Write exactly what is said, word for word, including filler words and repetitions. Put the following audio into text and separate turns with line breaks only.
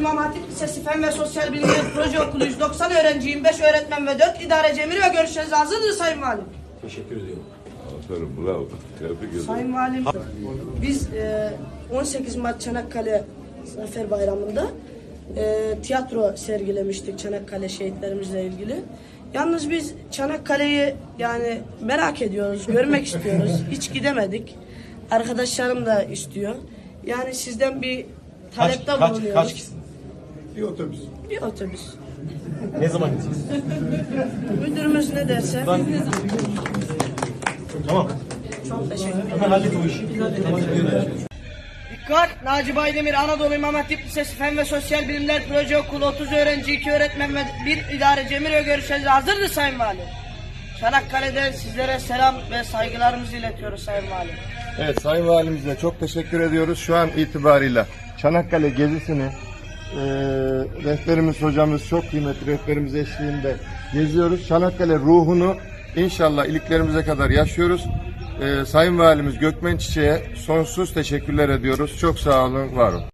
İmam Hatip Lisesi Fen ve Sosyal Bilimler Proje Okulu yüz doksan öğrenciyim, beş öğretmen ve dört idare cemiri ve görüşlerinize hazırdır Sayın Valim.
Teşekkür ediyorum.
Aferin, bravo. Tebrik ederim.
Sayın Valim, biz e, on sekiz Mart Çanakkale Zafer Bayramı'nda e, tiyatro sergilemiştik Çanakkale şehitlerimizle ilgili. Yalnız biz Çanakkale'yi yani merak ediyoruz, görmek istiyoruz. Hiç gidemedik. Arkadaşlarım da istiyor. Yani sizden bir talepte
Kaç, kaç,
bulunuyoruz.
kaç kişisiniz?
Bir otobüs.
Bir otobüs.
Ne zaman gideceğiz?
Müdürümüz ne derse.
Ben... Tamam.
Çok teşekkür ederim.
Hemen hallet o işi.
Dikkat! Naci Baydemir Anadolu İmam Hatip Lisesi Fen ve Sosyal Bilimler Proje Okulu otuz öğrenci, iki öğretmen ve bir idare cemiri ve görüşlerinize hazırdır Sayın Valim. Çanakkale'den sizlere selam ve saygılarımızı iletiyoruz Sayın Valim.
Evet, Sayın Valimize çok teşekkür ediyoruz. Şu an itibarıyla Çanakkale gezisini e, rehberimiz hocamız çok kıymetli rehberimiz eşliğinde geziyoruz. Çanakkale ruhunu inşallah iliklerimize kadar yaşıyoruz. E, Sayın Valimiz Gökmen Çiçek'e sonsuz teşekkürler ediyoruz. Çok sağ olun, var olun.